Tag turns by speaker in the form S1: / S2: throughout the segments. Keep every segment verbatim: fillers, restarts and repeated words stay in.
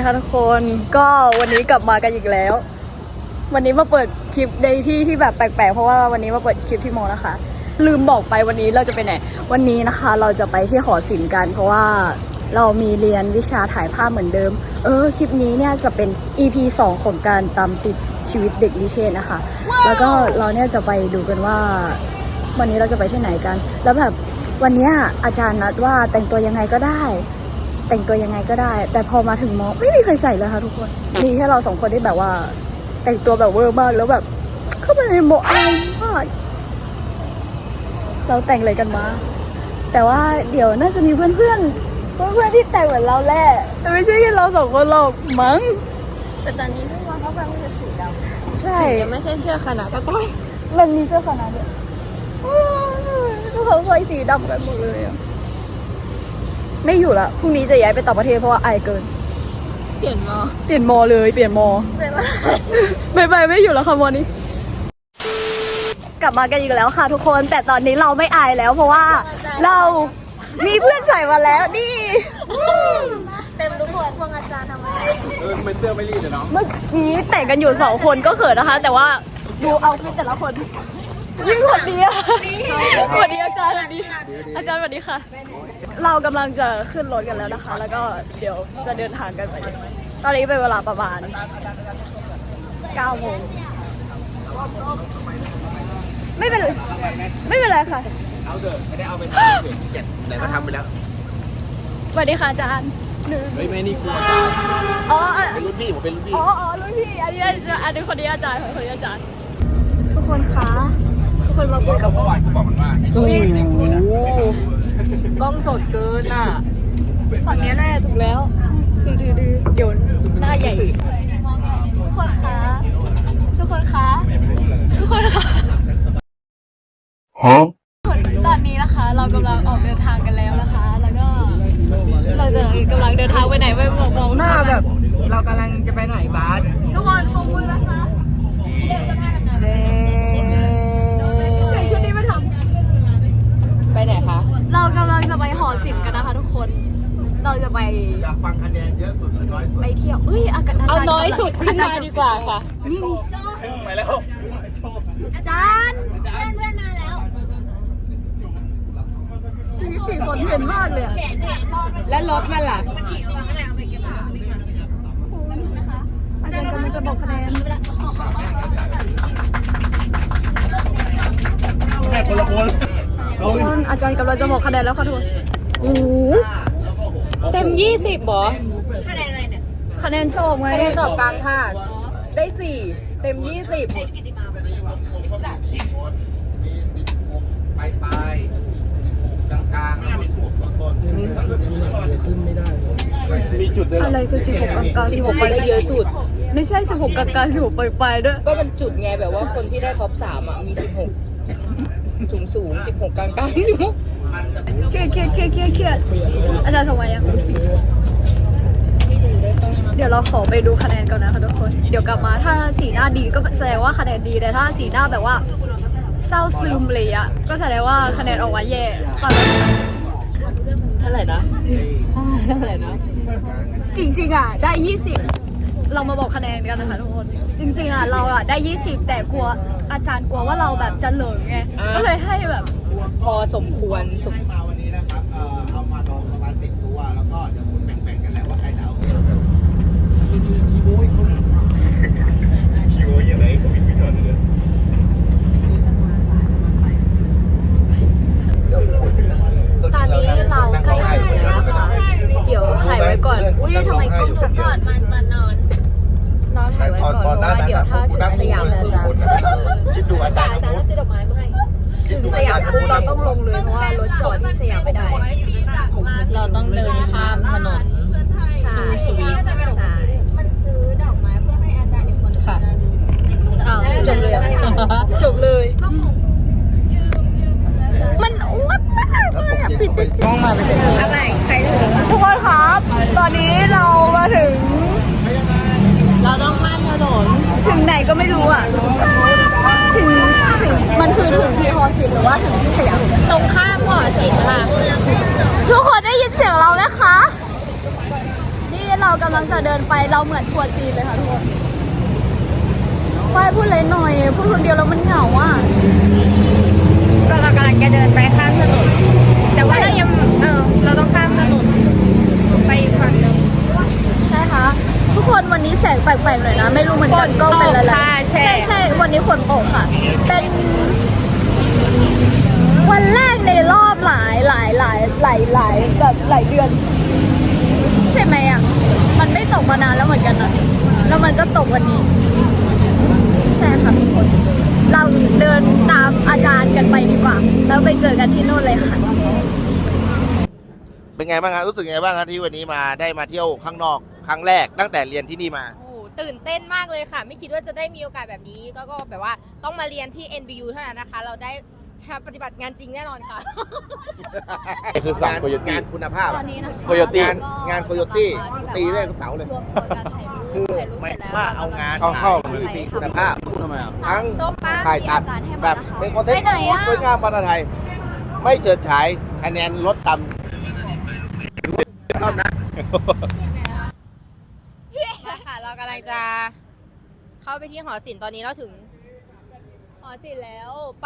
S1: คะทุกคนก็วันนี้กลับมากันอีกแล้ววันนี้มาเปิดคลิปในที่ที่แบบแปลกๆเพราะว่าวันนี้มาเปิดคลิปที่โมนะคะลืมบอกไปวันนี้เราจะไปไหนวันนี้นะคะเราจะไปที่หอศิลป์กันเพราะว่าเรามีเรียนวิชาถ่ายภาพเหมือนเดิมเออคลิปนี้เนี่ยจะเป็น อี พี สองของการตามติดชีวิตเด็กนิเทศนะคะ wow. แล้วก็เราเนี่ยจะไปดูกันว่าวันนี้เราจะไปที่ไหนกันแล้วแบบวันนี้อาจารย์นัดว่าแต่งตัวยังไงก็ได้แต่งตัวยังไงก็ได้แต่พอมาถึงมอไม่มีใครใส่เลยค่ะทุกคนมีแค่เราสองคนที่แบบว่าแต่งตัวแบบเวอร์มากแล้วแบบเข้าไปในมออายมากเราแต่งอะไรกันมาแต่ว่าเดี๋ยวน่าจะมีเพื่อนเพื่อนเพื่อนเพื่อนที่แต่งเหมือนเราแหละแต่ไม่ใช่แค่เราสองคนหรอกมั้ง
S2: แต่ตอนนี้ทุกวันเขาฟังเป็นสีดำ
S1: ใช่
S2: จะไม่ใช่เชือกขนาดก็ต้อง
S1: มันมีเสื้อขนาดเนี้ยทุกคนใส่สีดำกันหมดเลยอ่ะไม่อยู่ละพรุ่งนี้จะย้ายไปต่างประเทศเพราะว่าอายเกิน
S2: เปลี่ยนมอ
S1: เปลี่ยนมอเลยเปลี่ยนมอไม่ไปไม่อยู่แล้วค่ะมอนี้กลับมากันอีกแล้วค่ะทุกคนแต่ตอนนี้เราไม่อายแล้วเพราะว่าเรามีเพื่อนใส่มาแล้วนี่
S2: เต็มทุกคนพวกอาจารย์ทำไม
S3: เออไม่เสื้อไม่รีดเลยเนาะ
S1: เมื่อกี้แต่งกันอยู่สองคนก็เขินนะคะแต่ว่าดูเอาฟิตแต่ละคนยิ่งหดดีอะหดดีอาจารย์หดดีอาจารย์สวัสดีค่ะเรากำลังจะขึ้นรถกันแล้วนะคะแล้วก็เดี๋ยวจะเดินทางกันไปตอนนี้เป็นเวลาประมาณเก้าโมงไม่เป็นไม่เป็นไรค่ะ
S3: เอาเถอะไม่ได้เอาไปทำเผื่อที่เจ็ดแต่ก็ทำไปแล้ว
S1: สวัสดีค่ะอาจารย์
S3: ไม่ไม่นี่ครูอาจารย์
S1: อ๋อ
S3: เป็นรุ่นพี่ผมเป็นรุ่นพี่
S1: อ๋ออ๋อรุ่นพี่อันนี้อาจารย์อันนี้คนนี้อาจารย์คนนี้อาจารย์ทุกคนคะทุกคนมาคุยกับ
S3: เมื่อวานเขาบอกมันว่า
S1: โอ้โห
S2: กล้องสดเกินอ่ะ
S1: ฝั่งนี้แน่ถูกแล้วดื้อดื้อเดี๋ยวหน้าใหญ่ทุกคนคะทุกคนคะทุกคนคะตอนนี้นะคะเรากำลังออกเดินทางกันแล้วนะคะแล้วก็เราจะกำลังเดินทางไปไหนไปมองมอง
S2: หน้าแบบเรากำลังจะไปไหนบาส
S1: ทุกคนปรบมือนะคะใส่ชุดนี้มาทำ
S2: ไปไหนคะ
S1: เรากำลังจะไปหอศิลป์กันนะคะทุกคนเราจะไป
S3: อยากฟังคะแนนเยอะสุดหรือน้อยสุด
S1: ไปเที่ยวเอ้ยอากาศ
S2: เอาน้อยสุดขึ้นมาดีกว่าค่ะ
S1: นี่นี่
S3: ไปแล้ว
S1: อาจารย์เพื่อนเพื่อนมาแล้วชีวิตติดคนเห็นมากเลย
S2: และรถมันล่ะ
S1: อาจารย์กำลังจะบอกคะแนน
S3: แค่คนละคน
S1: คนอาจารย์กำลังจะบอกคะแนนแล้วค่ะทุกคนโอ้
S2: เต็มยี่สิบหรอ
S1: คะแนนอะไรเนี่ยคะแนนสอบไง
S2: คะแนนสอบกลางภาคได้สี่เต็มยี่สิบ
S3: ไปไปกลางกลางสิบหกต้นถ้าเกิดขึ้นไม่ได้มีจุดเลย
S1: อะไรคือสิบหกกลางกลาง
S2: สิบหกไปได้เยอะสุด
S1: ไม่ใช่สิบหกกลางกลางสิบหกไปไปด้วย
S2: ก็เป็นจุดไงแบบว่าคนที่ได้ท็อปสามอ่ะมีสิบหกสูงสูงสิบหกกลางกลาง
S1: เครียดเครียดเครียดเครียดเครียดอาจารย์ส่งมายังเดี๋ยวเราขอไปดูคะแนนก่อนนะคะทุกคนเดี๋ยวกลับมาถ้าสีหน้าดีก็แสดงว่าคะแนนดีแต่ถ้าสีหน้าแบบว่าเศร้าซึมเลยอะก็แสดงว่าคะแนนออกมาแย่ตอนนั้น
S2: เท่าไหร่นะเท่าไหร่นะ
S1: จริงๆอะได้ยี่สิบเรามาบอกคะแนนกันนะคะทุกคนจริงๆอะเราอะได้ยี่สิบแต่กลัวอาจารย์กลัวว่าเราแบบจะเหลิงไงก็เลยให้แบบ
S2: พอสมควร
S3: สมมาวันนี้นะครับเอ่อเอามาประมาณสิบตัวแล้วก็เดี๋ยวคุณแบ่งๆกันแล้วว่าใครจะเอาคีโมยคนคีโมยอะไรเขามีวิธีเลย
S1: ตอนนี้เราใกล้ถึงแล้วนะคะเดี๋ยวถ่ายไว้ก่อนอุ้ยทำไมกล้องสก่อนมันตอนนอนเราถ่ายไว้ก่อนเพราะว่าเดี๋ยวถ้าถึงสยามเราจะ
S3: คิดดูอาจารย์
S1: จะซื้อดอกไม้มาให้ถึงสยามปุ๊บเราต้องลงเลยเพราะว่ารถจอดที่สยามไม่ได้
S2: เราต้องเดินข้ามถนน
S1: ซื้อสวีทใช่
S2: มันซื้อดอกไม้เพื่อให้อาจารย์อีกคนค่ะ
S1: อ้าวจบเลยจบเลยมันอ้วนมากเลยอ่ะปิด
S2: กล้องมาไปเสร็จแล้ว
S1: อะไรใครถือทุกคนครับตอนนี้เรามาถึง
S2: เราต้องข้ามถนน
S1: ถึงไหนก็ไม่รู้อ่ะถึงถึงมันคือถึงที่หอศิลป์หรือว่าถึงที่สยาม
S2: ตรงข้ามหอศิลป์ค่ะ
S1: ทุกคนได้ยินเสียงเราไหมคะนี่เรากำลังจะเดินไปเราเหมือนทัวร์จีนเลยค่ะทุกคนไปพูดเลยหน่อยพูดคนเดียวแล้วมันเหงาอ่ะ
S2: ก็เรากำลังจะเดินไปข้ามถนนแต่ว่าเรายังเออเราต้องข้ามถนนไปอีกฝั่งหนึ่ง
S1: ใช่ค่ะทุกคนวันนี้แสงแปลกๆหน่อยนะ ไม่รู้เหมือนกันก็เป็นอะไร
S2: ค่ะใช่
S1: ใช่ใช่วันนี้ฝนตกค่ะ เป็นวันแรกในรอบหลายหลายหลายหลายหลายแบบหลายเดือน ใช่ไหมอ่ะมันไม่ตกมานานแล้วเหมือนกันนะแล้วมันก็ตกวันนี้ ใช่ค่ะทุกคน เราเดินตามอาจารย์กันไปดีกว่า แล้วไปเจอกันที่นู่นเลยค่ะ
S3: เป็นไงบ้างครับรู้สึกไงบ้างครับที่วันนี้มาได้มาเที่ยวข้างนอกครั้งแรกตั้งแต่เรียนที่นี่มา
S2: โอ้โหตื่นเต้นมากเลยค่ะ ไม่คิดว่าจะได้มีโอกาสแบบนี้ก็ก็แบบว่าต้องมาเรียนที่ เอ็น บี ยู เท่านั้นนะคะ เราได้ปฏิบัติงานจริงแน่นอนค่ะ
S4: คือสาม
S3: งาน
S4: โคโยตี้
S3: งานคุณภาพ
S1: ตอ
S3: อะ
S1: นนี้นะคะ
S4: Coyote
S3: งานงาน Coyote ตีด้วยกระเป๋าเลย
S1: รวมตัวกันถ่ายรูป
S3: คือ
S1: ถ่ายรูป
S3: ไม่
S1: เสร็จแล้ว
S3: ว่าเอางาน
S4: เข้าเข้า
S3: ที่มีคุณภาพ
S4: พูดทำไมอ่ะ
S3: ทั้ง
S2: ส้มปะ
S3: ถ่ายตัด
S1: ที่อาจารย์ให้มา
S3: แบบ
S1: นะคะ
S3: เป็นคอนเทนต์
S1: ไปไหนอะ
S3: สวยงามภาษาไทย ไม่เฉิดฉายคะแนนลดต่ำชอบนะ
S2: มาค่ะ เรากำลังจะเข้าไปที่หอศิลป์ตอนนี้เราถึง หอศิลป์แล้วไป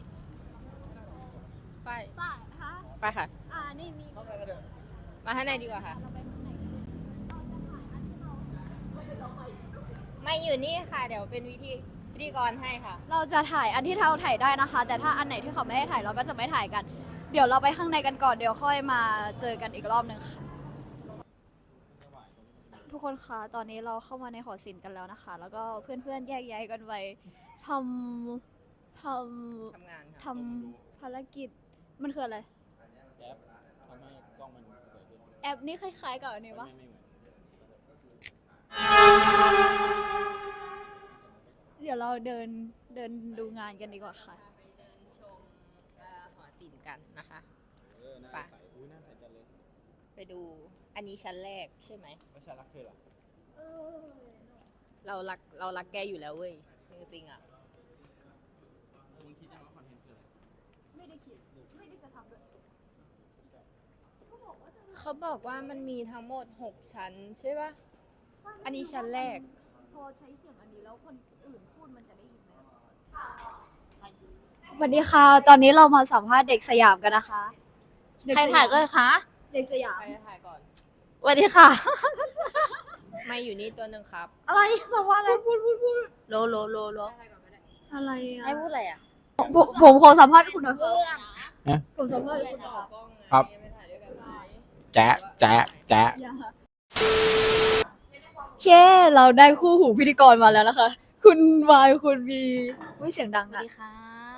S2: ไป
S1: ป่ะคะ
S2: ไปค่ะ
S1: อ่านี่นี่
S2: มาข้างในดีกว่าค่ะ ไม่อยู่นี่ค่ะ เดี๋ยวเป็นวิธีพิธีกรให้ค่ะ
S1: เราจะถ่ายอันที่เราถ่ายได้นะคะ แต่ถ้าอันไหนที่เขาไม่ให้ถ่ายเราก็จะไม่ถ่ายกัน เดี๋ยวเราไปข้างในกันก่อนเดี๋ยวค่อยมาเจอกันอีกรอบหนึ่งค่ะ ทุกคนคะตอนนี้เราเข้ามาในหอศิลป์กันแล้วนะคะ แล้วก็เพื่อนๆแยกย้ายกันไปทำทำ
S2: ทำงานค่ะ
S1: ทำภารกิจมันคืออะไร
S4: แอปทำให้กล้องมันสวยขึ้น
S1: แอปนี่คล้ายๆกับอันนี้ปะ
S4: ไม่เหมือน
S1: เดี๋ยวเราเดินเดินดูงานกันดีกว่าค่ะ
S2: ไปเดินชมเอ่อหอศิลป์กันนะคะ
S4: เออหน้า
S2: ไป
S4: ใสอุ้ยหน้าใสจังเลย
S2: ไปดูอันนี้ชั้นแรกใช่ไหม
S4: ไม่ใช่รักเธอเหรอ
S2: เรารักเรารักแกอยู่แล้วเว้ยจริงๆอ่ะ
S4: มึงคิดยังว่าคอนเทนต์คืออะไร
S1: ไม่ได้คิด ไม่ได้จะทำด้วย
S2: เขาบอกว่ามันมีทั้งหมดหกชั้นใช่ปะอันนี้ชั้นแรก
S1: พอใช้เสียงอันนี้แล้วคนอื่นพูดมันจะได้ยินไหมสวัสดีค่ะ ตอนนี้เรามาสัมภาษณ์เด็กสยามกันนะคะเด็
S2: ใครถ่ายก็คะ
S1: เด็กสยาม
S2: ใครถ่ายก่อน
S1: สวัสดีค่ะ
S2: ไม่อยู่นี่ตัวหนึ่งครับ
S1: อะไรสัมภาษณ์อะไรพูดพูดพูด
S2: โลโลโลโล
S1: อะไรอ่ะ
S2: ให้พูดอะไรอ่ะ
S1: ผมผมขอสัมภาษณ์คุณหน่อยค่ะผมสัมภาษณ์คุณหน่อย
S2: ต่อ
S1: ค่ะ
S2: กล้องไง
S4: ครับ
S2: ไม่ถ่ายด้วยกันไหม
S4: แจ๊ะแจ๊ะแจ๊ะ
S1: อย่าโอเคเราได้คู่หูพิธีกรมาแล้วนะคะ คุณวายคุณบีอุ้ยเสียงดัง
S2: สวัส
S1: อะ
S2: ดีครับ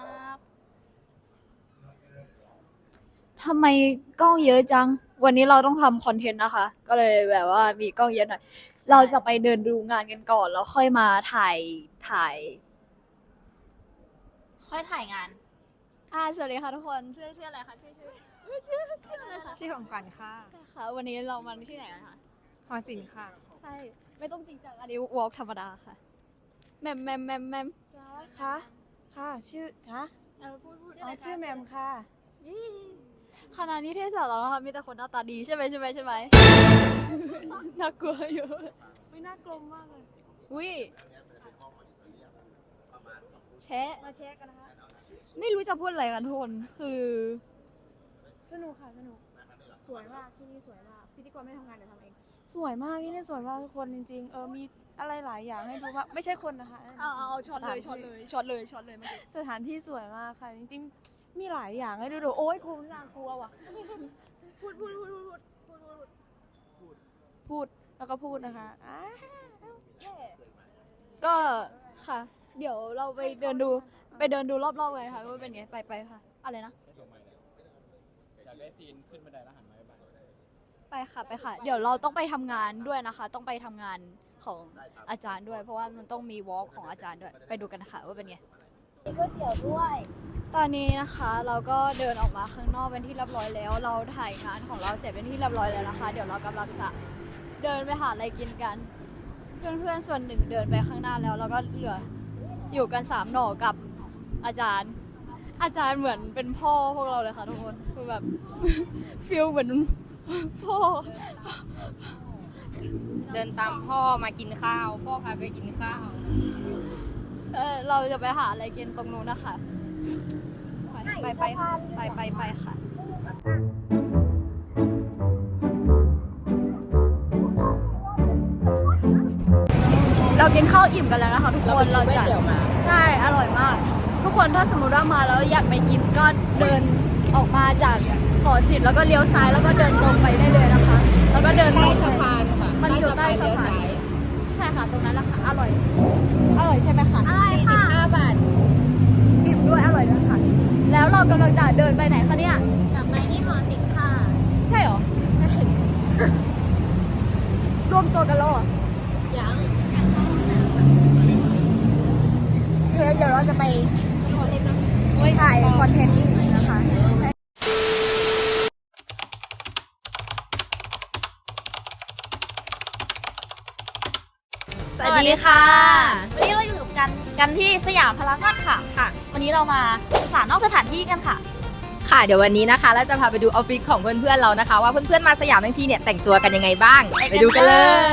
S1: ทำไมกล้องเยอะจัง วันนี้เราต้องทำคอนเทนต์นะคะ ก็เลยแบบว่ามีกล้องเยอะหน่อย เราจะไปเดินดูงานกันก่อน แล้วค่อยมาถ่ายถ่าย
S2: ค่อยถ่ายงาน
S1: อ่าสวัสดีค่ะทุกคนชื่อชื่ออะไรคะชื่อชื่อชื่อชื่ออะไรคะ
S5: ชื่อของขวัญค่ะ
S1: ใช่ค่ะวันนี้เรามาที่ไหนกันคะ
S5: หอศิลป์ค่ะ
S1: ใช่ไม่ต้องจริงจังอันนี้วอล์กธรรมดาค่ะแมมแมมแมมแมม
S5: ค่ะ ค่ะ ชื่อฮะ
S1: เออพูดพูด
S5: อ๋อชื่อแมมค่ะ
S1: ยี่คณะนิเทศศาสตร์เรานะคะมีแต่คนหน้าตาดีใช่ไหมใช่ไหมใช่ไหม น่ากลัวอยู่ไม่น่ากลัวมากเลยอุ้ยแชะ
S5: มาแชร์กันนะคะ
S1: ไม่รู้จะพูดอะไรกันทุกคนคือ
S5: สนุกค่ะ สนุก สวยมาก ที่นี่สวยมาก พิธีกรไม่ทำงานเดี๋ยวทำเอง สวยมากที่นี่สวยมากทุกคนจริงๆ เออ มีอะไรหลายอย่างให้ดูมากไม่ใช่คนนะคะ
S1: เอาเอาเอาช็อตเลยช็อตเลยช็อตเลยช็อตเลยเมื่อกี้
S5: สถานที่สวยมากค่ะ จริงๆ มีหลายอย่างให้ดูดูโอ๊ยกูน่ากลัวว่ะ
S1: พูดพูดพูดพูดพูดพูดพูด
S5: พูด แล้วก็พูดนะคะอ่า
S1: ก็ค่ะ เดี๋ยวเราไปเดินดูไปเดินดูรอบๆกันค่ะว่าเป็นไงไปไปค่ะอะไรนะ
S4: ได้ตัวใหม่แล้วอยากได้ซีนขึ้นบันไดแล้วหันมาไป
S1: ไปค่ะไปค่ะ เดี๋ยวเราต้องไปทำงานด้วยนะคะ ต้องไปทำงานของอาจารย์ด้วย เพราะว่ามันต้องมีวอล์กของอาจารย์ด้วยไปดูกันนะคะว่าเป็นไงมีก๋วยเตี๋ยวด้วย ตอนนี้นะคะเราก็เดินออกมาข้างนอกเป็นที่เรียบร้อยแล้ว เราถ่ายงานของเราเสร็จเป็นที่เรียบร้อยแล้วนะคะ เดี๋ยวเรากำลังจะเดินไปหาอะไรกินกัน เพื่อนๆส่วนหนึ่งเดินไปข้างหน้าแล้วแล้วก็เหลืออยู่กันสามหน่อกับอาจารย์ อาจารย์เหมือนเป็นพ่อพวกเราเลยค่ะทุกคนคือแบบ ฟีลเหมือนพ่อ
S2: เดินตามพ่อมากินข้าว พ่อพาไปกินข้าว
S1: เออเราจะไปหาอะไรกินตรงนู้นนะคะไปไปไปไปไปค่ะเรากินข้าวอิ่มกันแล้วนะคะทุกคนเราจะใช่อร่อยมาก ทุกคนถ้าสมมติว่ามาแล้วอยากไปกินก็เดินออกมาจากหอศิลป์แล้วก็เลี้ยวซ้ายแล้วก็เดินตรงไปได้เลยนะคะ แล้วก็เดิน
S2: ใต้สะพานค่ะ
S1: มันอยู่ใต้สะพานใช่ค่ะตรงนั้นแหละค่ะอร่อยอร่อยใช่ไหมคะอร่อย
S2: สี่สิบห้าบาท
S1: อิ่มด้วยอร่อยด้วยค่ะแล้วเรากำลังจะเดินไปไหนคะเนี่ย
S2: กลับไปที่หอศิลป์ค่ะ
S1: ใช่เหรอ รวมตัวกันแล้วเหรอ
S2: ยังเดี๋ยวเราจะไป
S1: ถ่ายคอนเทนต์นี้นะคะ
S2: สวัสดีค่ะ
S5: วันนี้เราอยู่กันกันที่สยามพารากอนค่ะ
S2: ค่ะ
S5: วันนี้เรามาศึกษานอกสถานที่กันค่ะ
S2: ค่ะเดี๋ยววันนี้นะคะเราจะพาไปดูออฟฟิศของเพื่อนๆเรานะคะ ว่าเพื่อนๆมาสยามทั้งทีเนี่ยแต่งตัวกันยังไงบ้าง ไปดูกันเลย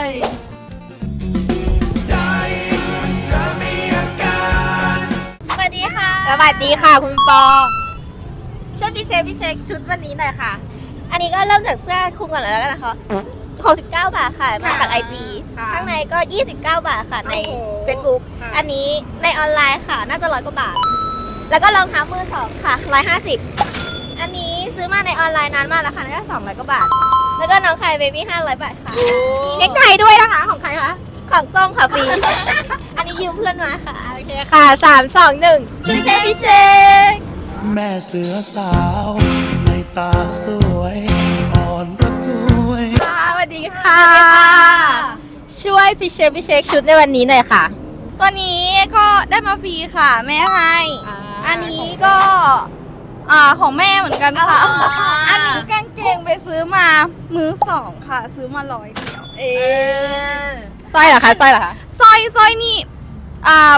S5: สวัสดีค่ะ
S2: สวัสดีค่ะคุณปอช่วยพี่เชฟพี่เช็คชุดวันนี้หน่อยค่ะ
S6: อันนี้ก็เริ่มจากเสื้อคลุมก่อนแล้วกันนะคะหกสิบเก้าบาทค่ะ มาจาก ไอ จี
S2: ค่ะ
S6: ข้างในก็ยี่สิบเก้าบาทค่ะใน
S2: โอ้โห
S6: Facebook
S2: ค่ะ
S6: อันนี้ในออนไลน์ค่ะ น่าจะร้อยกว่าบาท แล้วก็รองเท้ามือสองค่ะร้อยห้าสิบอันนี้ซื้อมาในออนไลน์นานมากแล้วค่ะน่าจะสองร้อยกว่าบาท แล้วก็น้องคายเบบี้ห้าร้อยบาทค่ะ
S2: มีเน็กไทด้วยนะคะของใครคะ
S6: ของส้มค่ะฟรี อันนี้ยืมเพื่อนมาค่ะ
S2: โอเคค่ะสามสองหนึ่งพี่เชฟพี่เชฟ
S7: แม่เสือสาวในตาสวยอ่อนระทวย
S2: ค่ะสวัสดีค่ะ ช่วยพี่เชฟพี่เชคชุดในวันนี้หน่อยค่ะ
S5: ตัวนี้ก็ได้มาฟรีค่ะ แม่ให้ อันนี้ก็อ่าของแม่เหมือนกันค่ะ อันนี้กางเกงไปซื้อมามือสองค่ะ ซื้อมาร้อยเดียว เออ
S2: สร้อยเหรอคะสร้อยเหรอคะ
S5: สร้อยสร้อยนี่อ่า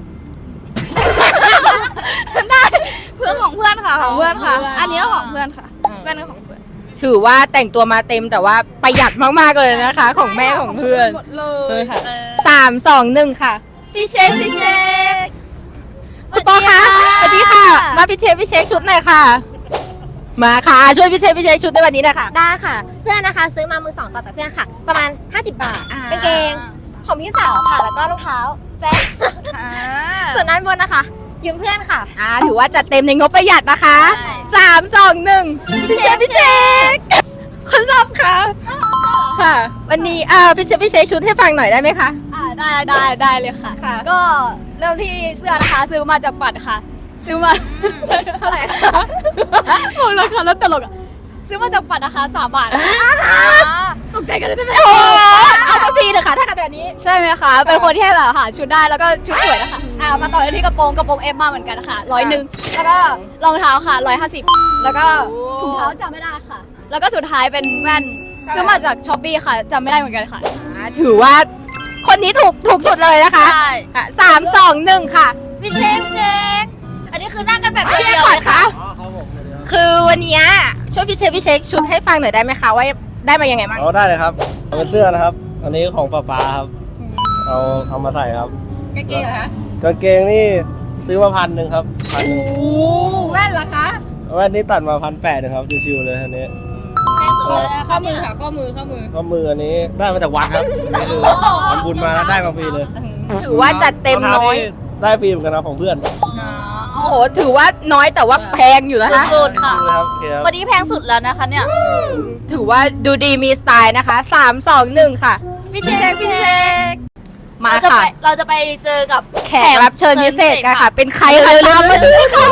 S5: ได้เพื่อนของเพื่อนค่ะของเพื่อนค่ะ อันนี้ก็ของเพื่อนค่ะแว่นก็ของเพื่อน
S2: ถือว่าแต่งตัวมาเต็มแต่ว่าประหยัดมากๆเลยนะคะ ของแม่ของเพื่อน
S5: หมดเล
S2: เลย ยค่ะสามสองหนึ่งค่ะพี่เชฟพี่เชฟคุณปอคะสวัสดีค่ะ มาพี่เชฟพี่เชฟชุดหน่อยค่ะ มาค่ะช่วยพี่เชฟพี่เชฟชุดในวันนี้หน่อยค่ะ
S6: ได้ค่ะ เสื้อนะคะซื้อมามือสองต่อจากเพื่อนค่ะ ประมาณห้าสิบบาทกางเกงของพี่สาวค่ะ แล้วก็รองเท้าแฟนส่วนนั้นบนนะคะ ยืมเพื่อนค่ะ
S2: อ่าถือว่าจัดเต็มในงบประหยัดนะคะ
S5: ใช่
S2: สามสองหนึ่งพี่เชฟพี่เชฟคุณซอบค่ะค่ะ วันนี้อ่าพี่เชฟพี่เชฟชุดให้ฟังหน่อยได้ไหมคะ
S1: อ่าได้ได้ได้เลยค่ะ
S2: ค่ะ
S1: ก็เริ่มที่เสื้อนะคะซื้อมาจากปัดค่ะ ซื้อมาเท่าไหร่คะบอกราคาแล้วตลกอ่ะซื้อมาจากปัดนะคะสามบาทตกใจกันเลยใช่ไหม
S2: โอ้เอามาฟรีเถอะค่ะถ้าขนาดนี้
S1: ใช่ไหมคะเป็นคนที่ให้แบบหาชุดได้แล้วก็ชุดสวยนะคะอ่ามาต่อที่กระโปรงกระโปรงเอฟมาเหมือนกันค่ะร้อยหนึ่งแล้วก็รองเท้าค่ะร้อยห้าสิบแล้วก็ถุงเท้าจำไม่ได้ค่ะ แล้วก็สุดท้ายเป็นแว่นซื้อมาจากช้อปปี้ค่ะจำไม่ได้เหมือนกันค่ะ
S2: อ่าถือว่าคนนี้ถูกถูกสุดเลยนะคะ
S5: ใช่
S2: ค่ะสามสองหนึ่งค่ะพี่เชฟเชฟ
S5: อันนี้คือนั่งกันแบบ
S2: พี่
S5: เดี
S2: เช
S5: ย
S2: ฟ
S5: ว
S2: ขอ
S5: เล
S2: ด
S5: ย
S2: คะ
S5: ค่ะ
S4: อ๋อครับผมเดี๋ยว
S2: คือวันนี้ช่วยพี่เชฟพี่เชฟชุดให้ฟังหน่อยได้ไหมคะว่าได้มายังไงบ้าง
S4: เอาได้เลยครับเอาเป็นเสื้อนะครับ อันนี้ของป้าป๊าครับ เอาเอามาใส่ครับ
S2: กางเกงเหรอคะ
S4: กางเกงนี่ซื้อมาพันหนึ่งครับพันหนึ่ง
S2: โอ้แว่นเหรอคะ
S4: แว่นนี้ตัดมาพันแปดนะครับชิวๆเลยอันนี้
S2: ข้อมือค่ะข้อมือข้อมือ
S4: ข้อมืออันนี้ได้มาจากวัดครับอันนี้คือทำบุญมาแล้วได้มาฟรีเลย
S2: ถือว่าจัดเต็มน้อย
S4: ได้ฟรีเหมือนกันนะของเพื่อน
S2: โอ้โหถือว่าน้อยแต่ว่าแพงอยู่นะคะ
S5: สุดๆค่ะ
S4: ดูเลยครับโอเคครับ
S5: วันนี้แพงสุดแล้วนะคะเนี่ย
S2: ถือว่าดูดีมีสไตล์นะคะสามสองหนึ่งค่ะพี่เชฟพี่เชฟมา
S5: เราจะ
S2: ค่ะ
S5: ไปเราจะไปเจอกับ
S2: แขกรับเชิญพิเศษกันค่ะ เป็นใครคะตามมาดูค่ะ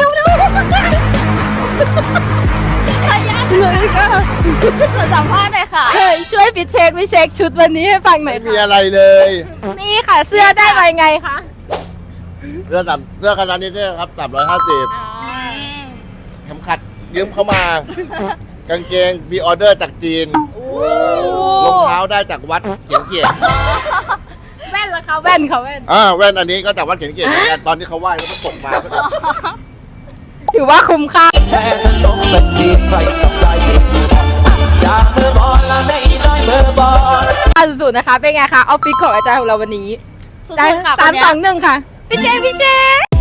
S2: เลยค่ะ
S5: เราสัมภาษณ์หน่อยค่ะ
S2: เฮ้ยช่วยพี่เช็คพี่เช็คชุดวันนี้ให้ฟังหน่อย
S3: ไม่มี
S2: ค่ะ
S3: อะไรเลย
S2: นี่ค่ะ เสื้อได้มายังไงคะ
S3: เสื้อต่ำเสื้อขนาดนี้เนี่ยครับต่ำร้อยห้าสิบเข็มขัดยืมเข้ามา กางเกงมีออเดอร์จากจีนรองเท้าได้จากวัดเขียนเกียรติ
S2: แว่นละคะแว่นค่ะแว่น
S3: อ่าแว่นอันนี้ก็จากวัดเขียนเกียรติเหมือนกันตอนที่เขาไหว้แล้วก็ส่งมา
S2: ถือว่าคุ้มค่า
S7: แม่จะลงเป็นดีใครกับใจที่อยากเมื่อบอลและในน้อยเมื่อบอล
S2: สุดนะคะ เป็นไงคะออฟฟิศของอาจารย์ของเราวันนี้
S5: สุดๆค่ะ
S2: สาม
S5: วันเนี้ย
S2: สองหนึ่งค่ะ พี่เจพี่เจ